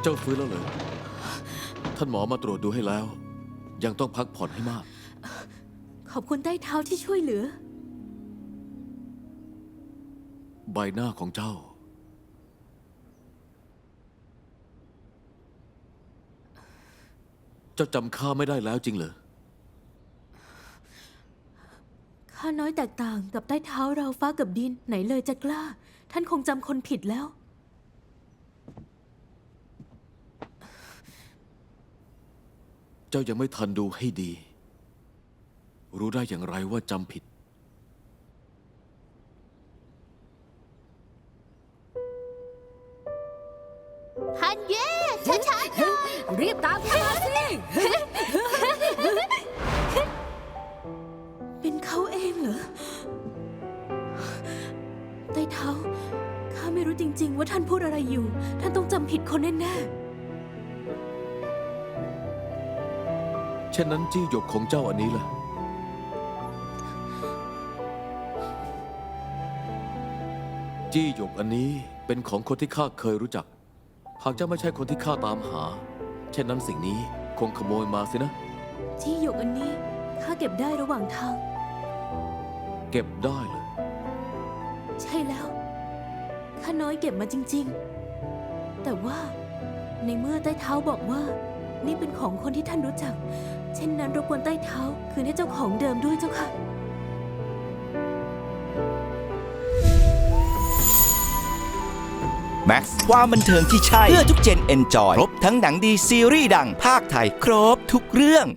เจ้าฟื้นแล้วเหรอท่านหมอมาตรวจดูให้แล้ว ยังต้องพักผ่อนให้มากขอบคุณใต้เท้าที่ช่วยเหลือใบหน้าของเจ้า เจ้าจำข้าไม่ได้แล้วจริงเหรอข้าน้อยแตกต่างกับใต้เท้าเราฟ้ากับดินไหนเลยจะกล้า ท่านคงจำคนผิดแล้วเจ้ายังไม่ทันดูให้ดี รู้ได้อย่างไรว่าจำผิดฮันเย่ช้าๆหน่อยรีบตามข้ามาสิ เป็นเขาเองเหรอใต้เท้าข้าไม่รู้จริงๆว่าท่านพูดอะไรอยู่ ท่านต้องจำผิดคนแน่เช่นนั้นจี้หยกของเจ้าอันนี้ล่ะ จี้หยกอันนี้เป็นของคนที่ข้าเคยรู้จัก หากเจ้าไม่ใช่คนที่ข้าตามหา เช่นนั้นสิ่งนี้คงขโมยมาสินะๆที่หยกอันนี้ข้าเก็บได้ระหว่างทางเก็บได้เลยใช่แล้วข้าน้อยเก็บมาจริงๆ แต่ว่าในเมื่อใต้เท้าบอกว่า นี่เป็นของคนที่ท่านรู้จัก เช่นนั้นรบกวนใต้เท้าคืนให้เจ้าของเดิมด้วยเจ้าค่ะแม็กซ์ความบันเทิงที่ใช่ เพื่อทุกเจนเอนจอย ครบทั้งหนังดีซีรีส์ดังภาคไทย ครบทุกเรื่อง